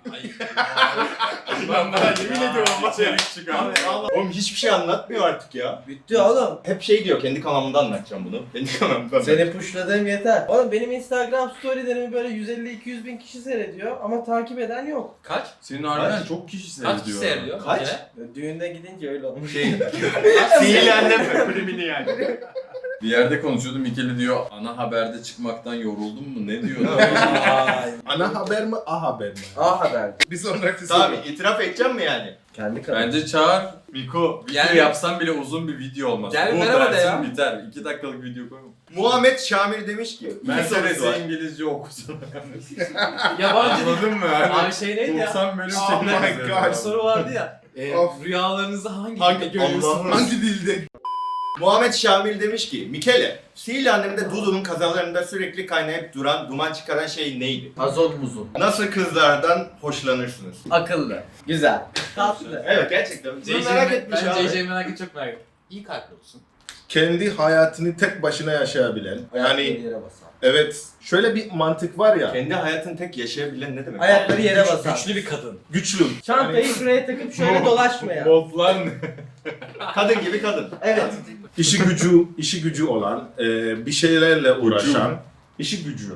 [SPEAKER 7] Ben daha yemin ediyorum bak.
[SPEAKER 5] İçerik çıkan.
[SPEAKER 3] Oğlum hiçbir şey anlatmıyor artık ya.
[SPEAKER 2] Bitti oğlum.
[SPEAKER 3] Hep şey diyor kendi kanalımda anlatacağım bunu. Kendi kanalımda.
[SPEAKER 2] Seni pushladığım yeter. Oğlum benim Instagram storylerimi böyle yüz elli iki yüz bin kişi seyrediyor ama takip eden yok.
[SPEAKER 1] Kaç?
[SPEAKER 5] Senin harbiden
[SPEAKER 3] Kaç?
[SPEAKER 5] çok kişi seyrediyor.
[SPEAKER 1] Kaç kişi seyrediyor?
[SPEAKER 3] Kaç?
[SPEAKER 1] Bir kere?
[SPEAKER 2] Düğünde gidince öyle olmuş.
[SPEAKER 3] Şey. Sihirli annem mi? Primini yani.
[SPEAKER 5] Bir yerde konuşuyordum. Mikeli diyor ana haberde çıkmaktan yoruldun mu? Ne diyor?
[SPEAKER 1] Vay.
[SPEAKER 4] Ana haber mi, A haber mi?
[SPEAKER 2] A haber.
[SPEAKER 4] Bir sonraki
[SPEAKER 3] Tamam
[SPEAKER 4] soru.
[SPEAKER 3] itiraf edeceğim mi yani?
[SPEAKER 2] Kendi kanalı.
[SPEAKER 5] Bence çağır. Miko video
[SPEAKER 1] Gel.
[SPEAKER 5] yapsan bile uzun bir video olmaz.
[SPEAKER 1] Gel
[SPEAKER 5] Bu
[SPEAKER 1] merhaba de
[SPEAKER 5] dersin
[SPEAKER 1] ya.
[SPEAKER 5] biter. iki dakikalık video koyma.
[SPEAKER 3] Muhammed Şamil demiş ki
[SPEAKER 5] Ben
[SPEAKER 3] iki sorusu var.
[SPEAKER 5] sen İngilizce okusun.
[SPEAKER 1] Yabancı dil.
[SPEAKER 5] Anladın mı? Hani
[SPEAKER 1] Abi şey neydi ya?
[SPEAKER 5] doksan bölüm
[SPEAKER 4] Oh my
[SPEAKER 5] çekmez.
[SPEAKER 4] God.
[SPEAKER 1] Bir soru vardı ya. E,
[SPEAKER 4] Of.
[SPEAKER 1] rüyalarınızı hangi,
[SPEAKER 3] Hangi-
[SPEAKER 1] dilde görüyorsunuz?
[SPEAKER 3] Allah'ım.
[SPEAKER 4] Hangi dilde?
[SPEAKER 3] Muhammed Şamil demiş ki Mikele, Sihirli Annem'de Dudu'nun kazalarında sürekli kaynayıp duran, duman çıkaran şey neydi?
[SPEAKER 2] Azot buzu.
[SPEAKER 3] Nasıl kızlardan hoşlanırsınız?
[SPEAKER 2] Akıllı. Güzel. Tatlı.
[SPEAKER 3] Evet gerçekten. Bunu
[SPEAKER 1] C J
[SPEAKER 3] merak etmiş
[SPEAKER 1] ben
[SPEAKER 3] abi.
[SPEAKER 1] C J'yi merak ettim, çok merak ettim. İyi kalpli olsun.
[SPEAKER 4] Kendi hayatını tek başına yaşayabilen. Yani
[SPEAKER 2] yere basan.
[SPEAKER 4] evet, şöyle bir mantık var ya.
[SPEAKER 3] Kendi hayatını tek yaşayabilen ne demek?
[SPEAKER 2] Ayakları yere basan.
[SPEAKER 1] Güçlü bir kadın.
[SPEAKER 4] Güçlü.
[SPEAKER 2] Çantayı şuraya takıp şöyle dolaşmayan.
[SPEAKER 5] Montlar ne?
[SPEAKER 3] Kadın gibi kadın.
[SPEAKER 2] Evet.
[SPEAKER 4] İşi gücü, işi gücü olan, e, bir şeylerle uğraşan, işi gücü.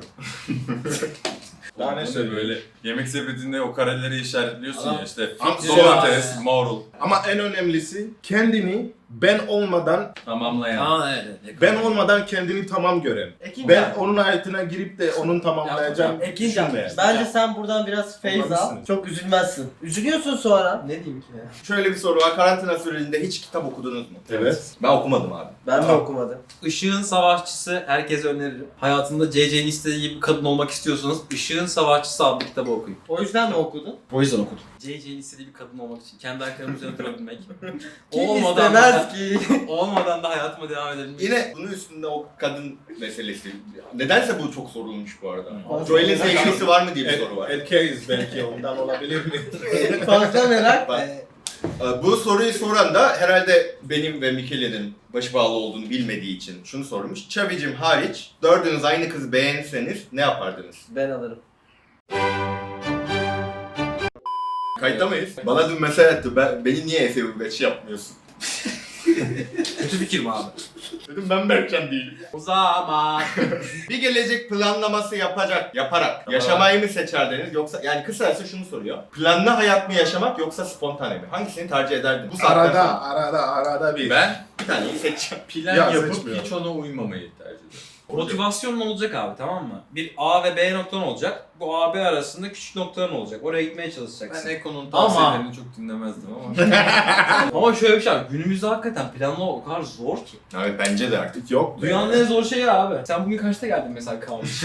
[SPEAKER 4] Daha ne
[SPEAKER 5] Daha ne
[SPEAKER 4] söyleyeyim?
[SPEAKER 5] böyle yemek sepetinde o kareleri işaretliyorsun
[SPEAKER 1] Adam-
[SPEAKER 5] ya işte
[SPEAKER 4] Am-
[SPEAKER 5] domates, marul
[SPEAKER 4] Ama en önemlisi kendini ben olmadan,
[SPEAKER 5] tamamlayan.
[SPEAKER 1] Aa evet. evet.
[SPEAKER 4] ben olmadan kendini tamam gören.
[SPEAKER 2] Ekin
[SPEAKER 4] Ben onun hayatına girip de onun tamamlayacağım
[SPEAKER 2] Ekincan,
[SPEAKER 4] düşünmeyen.
[SPEAKER 2] bence sen buradan biraz feyz al.
[SPEAKER 4] Olabilirsiniz.
[SPEAKER 2] Çok üzülmezsin. Üzülüyorsun sonra. Ne diyeyim ki ya?
[SPEAKER 3] Şöyle bir soru var. Karantina sürecinde hiç kitap okudunuz mu?
[SPEAKER 4] Evet.
[SPEAKER 3] Ben okumadım abi.
[SPEAKER 2] Ben de okumadım.
[SPEAKER 1] Işığın Savaşçısı herkese öneririm. Hayatında C C'nin istediği gibi bir kadın olmak istiyorsanız Işığın Savaşçısı adlı kitabı okuyun.
[SPEAKER 2] O yüzden mi okudun?
[SPEAKER 1] O yüzden okudum. C C'nin istediği bir kadın olmak için. Kendi ayaklarımın üzerine durabilmek.
[SPEAKER 2] Kim
[SPEAKER 1] olmadan da,
[SPEAKER 2] istemez ki?
[SPEAKER 1] olmadan da hayatıma devam edebilmek.
[SPEAKER 3] Yine bunun üstünde o kadın meselesi. Nedense bu çok sorulmuş bu arada.
[SPEAKER 2] Fazla
[SPEAKER 3] Joel'in
[SPEAKER 2] merak-
[SPEAKER 3] sevgilisi var mı diye bir
[SPEAKER 4] Er-
[SPEAKER 3] soru var.
[SPEAKER 4] erkeğiz belki ondan olabilir mi?
[SPEAKER 2] Fazla merak.
[SPEAKER 3] Bak.
[SPEAKER 2] Ee,
[SPEAKER 3] Ee, Bu soruyu soran da herhalde benim ve Mikele'nin başı bağlı olduğunu bilmediği için şunu sormuş. Çavicim hariç dördünüz aynı kızı beğenseniz ne yapardınız?
[SPEAKER 2] Ben alırım.
[SPEAKER 3] Kayıtta mıyız? Bana dün mesaj attı. Ben, beni niye S U beş yapmıyorsun?
[SPEAKER 1] Kötü fikir mi abi?
[SPEAKER 3] Dedim ben Berkcan değilim.
[SPEAKER 1] O zaman.
[SPEAKER 3] Bir gelecek planlaması yapacak, yaparak yaşamayı mı seçerdiniz yoksa yani kısacası şunu soruyor. Planlı hayat mı yaşamak yoksa spontane mi? Hangisini tercih ederdin? Bu saatten
[SPEAKER 4] Arada,
[SPEAKER 3] sonra
[SPEAKER 4] arada, arada bir.
[SPEAKER 5] Ben
[SPEAKER 3] bir taneyi seçeceğim.
[SPEAKER 5] plan
[SPEAKER 4] Ya,
[SPEAKER 5] yapıp
[SPEAKER 4] seçmiyorum.
[SPEAKER 5] hiç ona uymamayı tercih ederim.
[SPEAKER 1] Motivasyonun olacak abi, tamam mı? Bir A ve B noktan olacak. Bu A B arasında küçük noktaların olacak. Oraya gitmeye çalışacaksın.
[SPEAKER 5] Ben Eko'nun
[SPEAKER 1] Ama-
[SPEAKER 5] tavsiyelerini çok dinlemezdim ama.
[SPEAKER 1] Ama şöyle bir şey var. Günümüzde hakikaten planlı o kadar zor ki.
[SPEAKER 3] Evet bence de artık.
[SPEAKER 4] Yok. be.
[SPEAKER 1] Dünyanın en zor şeyi abi. Sen bugün kaçta geldin mesela kalmış?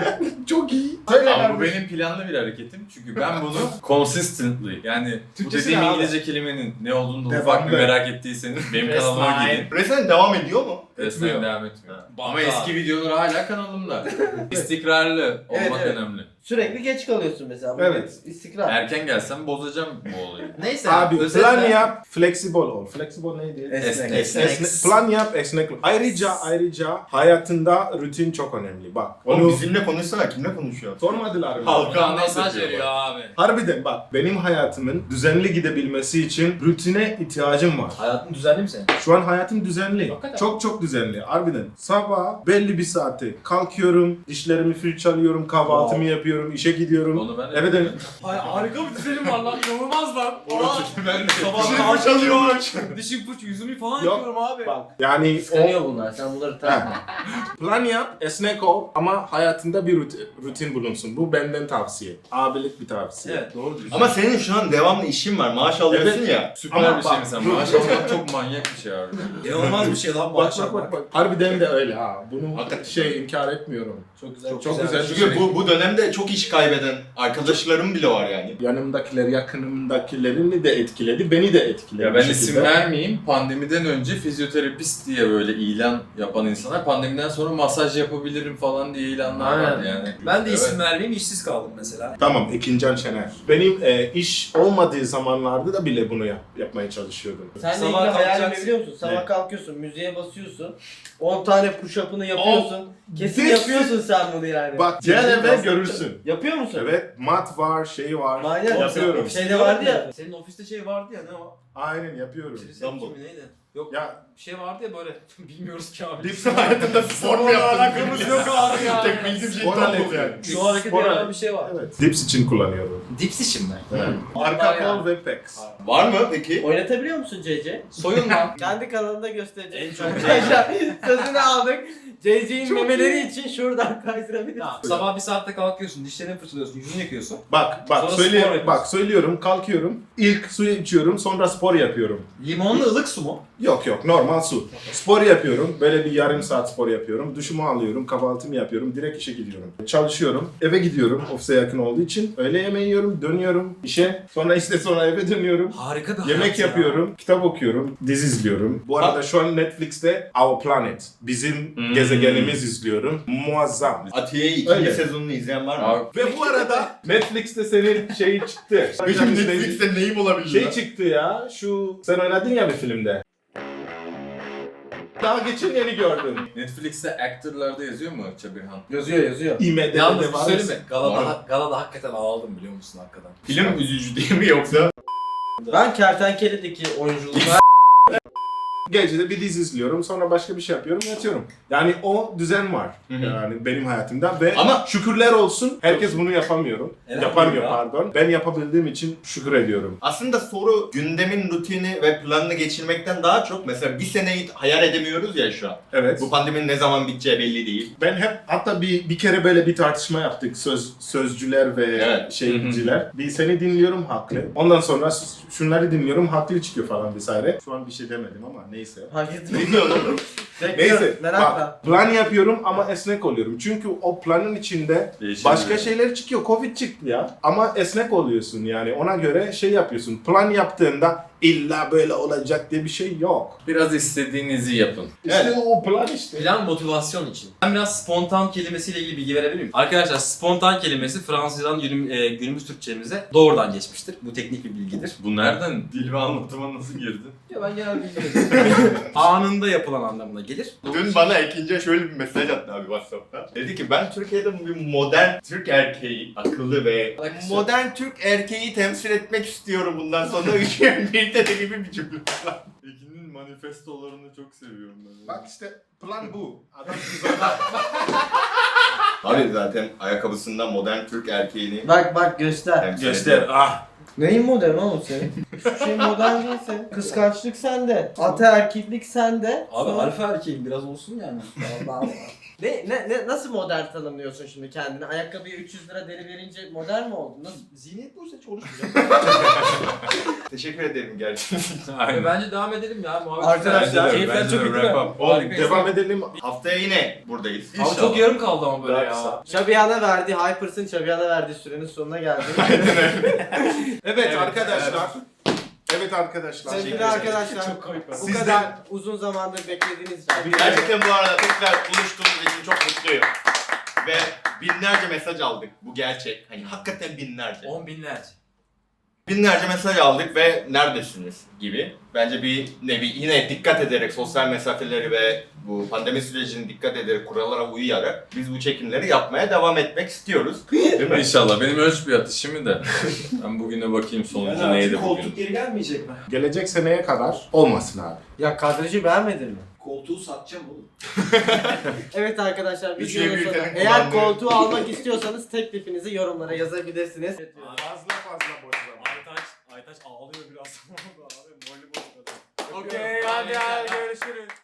[SPEAKER 4] Çok iyi.
[SPEAKER 5] Ama bu benim planlı bir hareketim çünkü ben bunu consistently yani bu
[SPEAKER 1] Türkçesi
[SPEAKER 5] dediğim
[SPEAKER 1] ne abi?
[SPEAKER 5] İngilizce kelimenin ne olduğunu da
[SPEAKER 4] Devamlı.
[SPEAKER 5] ufak bir merak ettiyseniz benim kanalıma gidin.
[SPEAKER 3] Resmen devam ediyor mu?
[SPEAKER 5] Resmen devam etmiyor.
[SPEAKER 1] Ha.
[SPEAKER 5] Ama eski videolar hala kanalımda. İstikrarlı
[SPEAKER 2] Evet,
[SPEAKER 5] olmak
[SPEAKER 2] evet.
[SPEAKER 5] önemli.
[SPEAKER 2] Sürekli geç kalıyorsun mesela. Bu
[SPEAKER 4] Evet.
[SPEAKER 2] İstikrar.
[SPEAKER 5] Erken gelsem bozacağım bu olayı.
[SPEAKER 1] Neyse
[SPEAKER 4] Abi
[SPEAKER 1] özetle-
[SPEAKER 4] plan yap, flexible ol. Flexible neydi?
[SPEAKER 2] Esnek.
[SPEAKER 5] Esnek.
[SPEAKER 4] Esne- plan yap, esnek ol. Ayrıca ayrıca hayatında rutin çok önemli. Bak.
[SPEAKER 3] Oğlum
[SPEAKER 4] Onu
[SPEAKER 3] bizimle konuşsana, kimle konuşuyor?
[SPEAKER 4] sormadılar mı?
[SPEAKER 3] Halka
[SPEAKER 1] Buradan mesaj veriyor abi.
[SPEAKER 4] Harbiden bak, benim hayatımın düzenli gidebilmesi için rutine ihtiyacım var.
[SPEAKER 1] Hayatın düzenli mi senin?
[SPEAKER 4] Şu an hayatım düzenli.
[SPEAKER 1] Hakikaten.
[SPEAKER 4] Çok çok düzenli. Harbiden. Sabah belli bir saate kalkıyorum, dişlerimi fırçalıyorum, kahvaltımı yapıyorum, işe gidiyorum.
[SPEAKER 5] Onu ben de
[SPEAKER 4] Evet, evet.
[SPEAKER 1] Hay harika bir düzenim var lan. İnanılmaz lan.
[SPEAKER 5] ben de
[SPEAKER 1] Sabah kalkıyorum. Dişim fırç, yüzümü falan
[SPEAKER 4] Yok.
[SPEAKER 1] yapıyorum abi.
[SPEAKER 4] Bak yani o
[SPEAKER 2] Kıskanıyor bunlar. Sen bunları takma.
[SPEAKER 4] plan yap, esnek ol ama hayatında bir rutin, rutin bulunsun. Bu benden tavsiye. Abilik bir tavsiye.
[SPEAKER 1] Evet doğru diyorsun.
[SPEAKER 3] Ama senin şu an devamlı işin var, maaş alıyorsun
[SPEAKER 4] Evet.
[SPEAKER 3] ya.
[SPEAKER 5] süper
[SPEAKER 4] Ama
[SPEAKER 5] bir şey
[SPEAKER 4] bak,
[SPEAKER 5] mesela.
[SPEAKER 4] dur.
[SPEAKER 5] Maaş almak çok manyak bir şey abi.
[SPEAKER 1] İnanılmaz bir şey lan bu
[SPEAKER 4] Bak
[SPEAKER 1] akşam.
[SPEAKER 4] bak bak bak. Harbiden de öyle ha. Bunu
[SPEAKER 3] Hakikaten.
[SPEAKER 4] şey inkar etmiyorum.
[SPEAKER 1] Çok güzel.
[SPEAKER 4] Çok, çok güzel. bir
[SPEAKER 3] Çünkü
[SPEAKER 4] şey.
[SPEAKER 3] bu, bu dönemde çok iş kaybeden arkadaşlarım bile var yani.
[SPEAKER 4] Yanımdakiler, yakınımdakilerini de etkiledi, beni de etkiledi.
[SPEAKER 5] Ya
[SPEAKER 4] bir
[SPEAKER 5] ben
[SPEAKER 4] şekilde.
[SPEAKER 5] isim vermeyeyim. Pandemiden önce fizyoterapist diye böyle ilan yapan insanlar pandemiden sonra masaj yapabilirim falan diye ilanlar
[SPEAKER 2] Aynen.
[SPEAKER 5] vardı yani.
[SPEAKER 1] Ben de isim
[SPEAKER 5] Evet.
[SPEAKER 1] vermeyeyim, işsiz kaldım mesela.
[SPEAKER 4] Tamam, Ekincan Şener. Benim e, iş olmadığı zamanlarda da bile bunu yap, yapmaya çalışıyordum.
[SPEAKER 2] Seninle
[SPEAKER 1] Sabah
[SPEAKER 2] ilgili hayalimi
[SPEAKER 1] kalkacaksın.
[SPEAKER 2] biliyor musun? Sabah
[SPEAKER 4] Ne?
[SPEAKER 2] kalkıyorsun, müziğe basıyorsun. on tane push-up'ını yapıyorsun. Kesin
[SPEAKER 4] This-
[SPEAKER 2] yapıyorsun sen bunu yani.
[SPEAKER 4] Bak, gel eve
[SPEAKER 2] Kesin
[SPEAKER 4] görürsün.
[SPEAKER 2] Yapıyor musun?
[SPEAKER 4] Evet, mat var, şey var.
[SPEAKER 2] Manyak.
[SPEAKER 4] Yapıyorum.
[SPEAKER 2] Şeyde vardı ya.
[SPEAKER 1] Senin ofiste şey vardı ya, ne o?
[SPEAKER 4] Aynen yapıyorum.
[SPEAKER 1] Dumbbell mi neydi? Yok
[SPEAKER 4] Ya
[SPEAKER 1] bir şey vardı ya böyle. Bilmiyoruz ki abi.
[SPEAKER 4] dips hayatında spor mu yaptın?
[SPEAKER 1] Alakamız yok abi ya.
[SPEAKER 3] Tek bildiğim şey
[SPEAKER 4] Spor
[SPEAKER 3] tam
[SPEAKER 4] aleti
[SPEAKER 3] bu.
[SPEAKER 4] yani.
[SPEAKER 1] Şu hareket
[SPEAKER 4] Spor
[SPEAKER 1] yapan
[SPEAKER 4] aleti.
[SPEAKER 1] bir şey var.
[SPEAKER 4] Evet. Dips için kullanıyorum.
[SPEAKER 1] Dips için mi?
[SPEAKER 4] Evet.
[SPEAKER 1] Vallahi
[SPEAKER 4] Arka
[SPEAKER 1] ya.
[SPEAKER 4] kol ve pecs.
[SPEAKER 3] Var mı peki?
[SPEAKER 2] Oynatabiliyor musun C C?
[SPEAKER 1] Soyun lan.
[SPEAKER 2] Kendi kanalında göstereceğim.
[SPEAKER 1] En çok
[SPEAKER 2] Sözünü aldık. C C'nin memeleri için şuradan kaydırabiliriz.
[SPEAKER 1] Ya, sabah bir saatte kalkıyorsun, dişlerini fırçalıyorsun, yüzünü yıkıyorsun.
[SPEAKER 4] Bak bak
[SPEAKER 1] Sonra
[SPEAKER 4] söyle
[SPEAKER 1] spor yapıyorsun.
[SPEAKER 4] bak söylüyorum, kalkıyorum. İlk suyu içiyorum, sonra spor yapıyorum.
[SPEAKER 1] Limonlu ılık su mu?
[SPEAKER 4] Yok yok, normal su. Spor yapıyorum. Böyle bir yarım saat spor yapıyorum. Duşumu alıyorum, kahvaltımı yapıyorum. Direkt işe gidiyorum. Çalışıyorum. Eve gidiyorum. Ofise yakın olduğu için. Öğle yemeği yiyorum, dönüyorum işe. Sonra işte sonra eve dönüyorum.
[SPEAKER 1] Harika bir hayat
[SPEAKER 4] Yemek
[SPEAKER 1] ya.
[SPEAKER 4] yapıyorum, kitap okuyorum, dizi izliyorum. Bu arada şu an Netflix'te Our Planet, bizim
[SPEAKER 5] Hmm.
[SPEAKER 4] gezegenimiz izliyorum. Muazzam.
[SPEAKER 3] Atiye'yi ikinci
[SPEAKER 4] Öyle.
[SPEAKER 3] sezonunu izleyen var mı?
[SPEAKER 5] Abi,
[SPEAKER 4] Ve bu arada Netflix'te senin şeyi çıktı.
[SPEAKER 3] Benim Netflix'te neyim olabilir
[SPEAKER 4] Şey
[SPEAKER 3] ya?
[SPEAKER 4] çıktı ya, şu sen oynadın ya bir filmde. Daha geçen yeni gördüm.
[SPEAKER 5] Netflix'te actor'larda yazıyor mu Çabirhan?
[SPEAKER 2] Yazıyor yazıyor.
[SPEAKER 4] IMDb'de
[SPEAKER 1] Yalnız bir
[SPEAKER 4] var.
[SPEAKER 1] şey söyleyeyim mi?
[SPEAKER 3] Var
[SPEAKER 1] Galada,
[SPEAKER 3] mı?
[SPEAKER 1] galada hakikaten ağladım biliyor musun hakikaten.
[SPEAKER 3] Film üzücü değil mi yoksa?
[SPEAKER 2] Ben Kertenkele'deki oyunculuğuna
[SPEAKER 4] Gecede bir dizi izliyorum, sonra başka bir şey yapıyorum, yatıyorum. Yani o düzen var
[SPEAKER 3] Hı hı.
[SPEAKER 4] yani benim hayatımda ve
[SPEAKER 3] Ama-
[SPEAKER 4] şükürler olsun herkes bunu yapamıyorum.
[SPEAKER 1] Elhamdülillah.
[SPEAKER 4] Yapamıyor pardon. Ben yapabildiğim için şükür ediyorum.
[SPEAKER 3] Aslında soru gündemin rutini ve planını geçirmekten daha çok mesela bir seneyi hayal edemiyoruz ya şu an.
[SPEAKER 4] Evet.
[SPEAKER 3] Bu pandeminin ne zaman biteceği belli değil.
[SPEAKER 4] Ben hep hatta bir bir kere böyle bir tartışma yaptık söz sözcüler ve
[SPEAKER 3] Evet.
[SPEAKER 4] şeyciler. Bir seni dinliyorum haklı. Ondan sonra şunları dinliyorum haklı çıkıyor falan vesaire. Şu an bir şey demedim ama neyse.
[SPEAKER 2] Hareket
[SPEAKER 3] Ne diyorsun oğlum?
[SPEAKER 2] Bekliyorum,
[SPEAKER 4] Neyse
[SPEAKER 2] merakla.
[SPEAKER 4] bak, plan yapıyorum ama esnek oluyorum. Çünkü o planın içinde
[SPEAKER 5] Değişebiliyor.
[SPEAKER 4] başka şeyler çıkıyor. Covid çıktı ya. Ama esnek oluyorsun yani. Ona göre şey yapıyorsun. Plan yaptığında illa böyle olacak diye bir şey yok.
[SPEAKER 5] Biraz istediğinizi yapın.
[SPEAKER 4] İşte
[SPEAKER 3] Evet.
[SPEAKER 4] o plan işte.
[SPEAKER 1] Plan motivasyon için. Ben biraz spontan kelimesiyle ilgili bilgi verebilir miyim? Arkadaşlar spontan kelimesi Fransızcadan günüm- e, günümüz Türkçemize doğrudan geçmiştir. Bu teknik bir bilgidir.
[SPEAKER 5] Bu nereden? Dil ve anlatıma nasıl girdin?
[SPEAKER 1] Ya ben genel bilgi veriyorum. Anında yapılan anlamına gelir.
[SPEAKER 3] Dün bana Ekince şöyle bir mesaj attı abi WhatsApp'ta. Dedi ki ben Türkiye'de bir modern Türk erkeği, akıllı ve modern Türk erkeği temsil etmek istiyorum bundan sonra üç bin birde de gibi bir cümle.
[SPEAKER 5] Ekin'in manifestolarını çok seviyorum ben.
[SPEAKER 4] Bak işte plan bu. Adam
[SPEAKER 3] Abi zaten ayakkabısından modern Türk erkeğini
[SPEAKER 2] Bak bak göster.
[SPEAKER 3] temsil
[SPEAKER 1] Göster.
[SPEAKER 3] ediyor.
[SPEAKER 1] Ah.
[SPEAKER 2] Neyin modern oğlum senin? Hiçbir şey modern değil senin. Kıskançlık sende. Ataerkillik sende.
[SPEAKER 1] Abi
[SPEAKER 2] Sonra-
[SPEAKER 1] alfa erkeğim biraz olsun yani.
[SPEAKER 2] Allah Allah. Ne, ne, ne, nasıl modern tanımlıyorsun şimdi kendini? Ayakkabıya üç yüz lira deri verince modern mi oldun? Nasıl?
[SPEAKER 1] Zihniyet buysa hiç konuşmayacağım.
[SPEAKER 3] Teşekkür ederim gerçekten.
[SPEAKER 5] Aynen.
[SPEAKER 1] Bence devam edelim ya. Muhabbet
[SPEAKER 2] Arkadaşlar,
[SPEAKER 5] Bence de,
[SPEAKER 1] keyifler
[SPEAKER 5] bence
[SPEAKER 1] çok
[SPEAKER 5] de
[SPEAKER 1] iyi değil mi?
[SPEAKER 5] wrap up.
[SPEAKER 4] Oğlum,
[SPEAKER 1] Harika
[SPEAKER 4] devam
[SPEAKER 1] insan.
[SPEAKER 4] edelim.
[SPEAKER 3] Haftaya yine buradayız.
[SPEAKER 1] Abi çok yarım kaldı ama böyle
[SPEAKER 4] Daha
[SPEAKER 1] ya.
[SPEAKER 4] kısa.
[SPEAKER 2] Şabiyan'a verdiği, Hypers'ın Şabiyan'a verdiği sürenin sonuna geldik.
[SPEAKER 4] Evet arkadaşlar. Evet arkadaşlar.
[SPEAKER 2] Sevgili arkadaşlar,
[SPEAKER 1] Çok kayıp.
[SPEAKER 2] bu
[SPEAKER 4] Sizden-
[SPEAKER 2] kadar uzun zamandır beklediğiniz için.
[SPEAKER 3] Gerçekten bu arada tekrar buluştuğumuz için çok mutluyum. Ve binlerce mesaj aldık. Bu gerçek. Hani hakikaten binlerce.
[SPEAKER 1] On binlerce.
[SPEAKER 3] Binlerce mesaj aldık ve neredesiniz gibi. Bence bir nevi yine dikkat ederek sosyal mesafeleri ve bu pandemi sürecine dikkat ederek kurallara uyarak biz bu çekimleri yapmaya devam etmek istiyoruz. Değil mi?
[SPEAKER 5] İnşallah. Benim ölç bir atışımı da. Ben bugüne bakayım sonucu
[SPEAKER 6] Yani
[SPEAKER 5] neydi
[SPEAKER 6] artık
[SPEAKER 5] bugün.
[SPEAKER 6] koltuk geri gelmeyecek mi?
[SPEAKER 4] Gelecek seneye kadar olmasın abi.
[SPEAKER 2] Ya kadrajı beğenmedin mi?
[SPEAKER 6] Koltuğu satacağım oğlum.
[SPEAKER 2] Evet arkadaşlar,
[SPEAKER 3] Üçüncü
[SPEAKER 2] videonun sonuna.
[SPEAKER 3] ülkenin
[SPEAKER 2] Eğer
[SPEAKER 3] kullandığı-
[SPEAKER 2] koltuğu almak istiyorsanız teklifinizi yorumlara yazabilirsiniz.
[SPEAKER 4] Fazla fazla boşlama.
[SPEAKER 1] Aytaç, Aytaç ağlıyor biraz. Abi morali bozuldu.
[SPEAKER 2] Okey, hadi hadi görüşürüz.